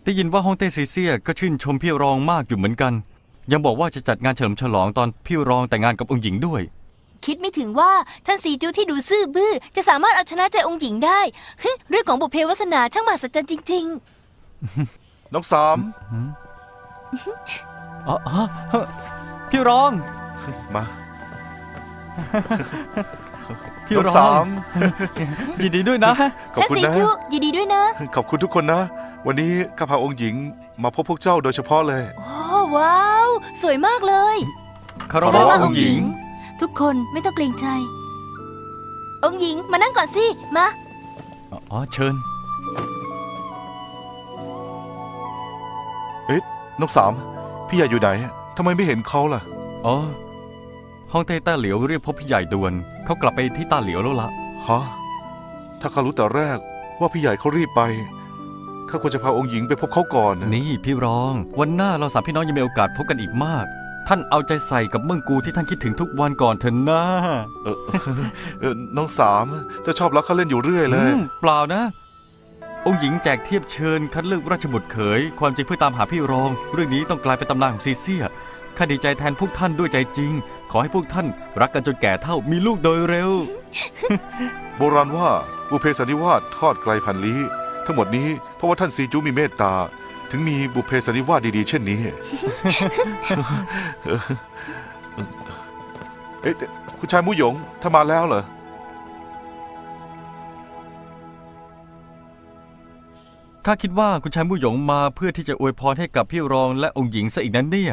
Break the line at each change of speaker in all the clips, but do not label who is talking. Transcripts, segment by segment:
ได้ยินว่าฮ่องเต้ซีเซียก็ชื่นชมพี่รองมากอยู่เหมือนกันยังบอกว่าจะจัดงานเฉลิมฉลองตอนพี่รองแต่งงานกับองค์หญิงด้วย
คิดไม่ถึงว่าท่านซีจูที่ดูซื่อบื้อจะสามารถเอาชนะใจองค์หญิงได้เรื่องของบุพเพวาสนาช่างมหัศจรรย์จริง
น้องสาม
อ๋อพี่รอง
มา
พี่
น้อง
รอ
สาง ม
ยินดีด้วยนะ
ขอบ
ท่าน
คุณ
ซี
นะ
จูยินดีด้วยนะ
ขอบคุณทุกคนนะ วันนี้ข้าพาองค์หญิงมาพบพวกเจ้าโดยเฉพาะเลย
โอ้ว้าว สวยมากเลย
คาร
ขอบ
วะ
คุณ
องค์หญิง
ทุกคนไม่ต้องเกรงใจ องค์หญิงมานั่งก่อนสิมา
อ๋อเชิญ
เอ๊ะน้องสามพี่ใหญ่อยู่ไหนทำไมไม่เห็นเขาล่ะ
อ๋อฮ่องเต้ต้าเหลียวเรียกพบพี่ใหญ่ด่วนเขากลับไปที่ต้าเหลียวแล้วละ
ฮะ ถ้าข้ารู้แต่แรกว่าพี่ใหญ่เขารีบไปข้าควรจะพาองค์หญิงไปพบเขาก่อนนะ
นี่พี่รองวันหน้าเราสามพี่น้องยังมีโอกาสพบกันอีกมาก ท่านเอาใจใส่กับเมืองกูที่ท่านคิดถึงทุกวันก่อนเถอะนะ
น้องสามจะชอบรักข้าเล่นอยู่เรื่อยเลย
เปล่านะ องค์หญิงแจกเทียบเชิญคัดเลือกราชบุตรเขยความจริงเพื่อตามหาพี่รอง เรื่องนี้ต้องกลายเป็นตำนานของซีเซียข้าดีใจแทนพวกท่านด้วยใจจริง ขอให้พวกท่านรักกันจนแก่เท่ามีลูกโดยเร็ว
โบราณว่าบุพเพสันนิวาสทอดไกลพันลี้ทั้งหมดนี้เพราะว่าท่านซีจูมีเมตตา ถึงมีบุพเพสันนิวาสดีๆเช่นนี้ เอ๊ะคุณชายมู่หยงถ้ามาแล้วเหรอ
ข้าคิดว่าคุณชายมู่หยงมาเพื่อที่จะอวยพรให้กับพี่รองและองค์หญิงซะอีกนั้นเนี่ย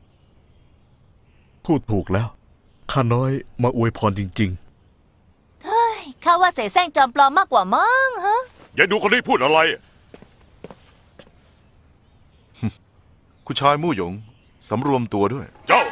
พูดถูกแล้วข้าน้อยมาอวยพรจริง
ข้าว่าเสแสร้งจอมปลอมมากกว่ามั้งฮะ
อย่าดูคนนี้พูดอะไร
คุณชายมู่หยงสำรวมตัวด้วย
เจ้า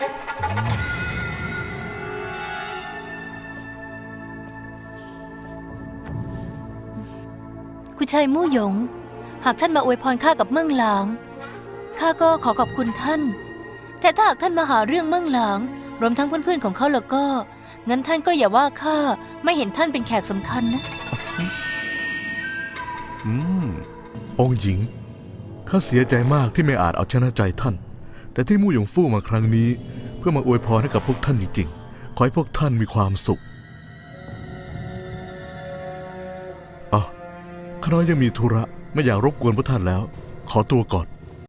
คุณชายมู่หยง หากท่านมาอวยพรข้ากับเมืองหลางข้าก็ขอขอบคุณท่าน แต่ถ้าหากท่านมาหาเรื่องเมืองหลางรวมทั้งเพื่อนๆของเขาแล้วก็งั้นท่านก็อย่าว่าข้าไม่เห็นท่านเป็นแขกสำคัญนะ
ๆ องค์หญิงข้าเสียใจมากที่ไม่อาจเอาชนะใจท่าน แต่ที่มู่หยงฟู่มาครั้งนี้ เพื่อมาอวยพรให้กับพวกท่านจริงๆขอให้พวกท่านมีความสุขข้าน้อยยังมีธุระไม่อยากรบกวนพวกท่านแล้ว ขอตัวก่อน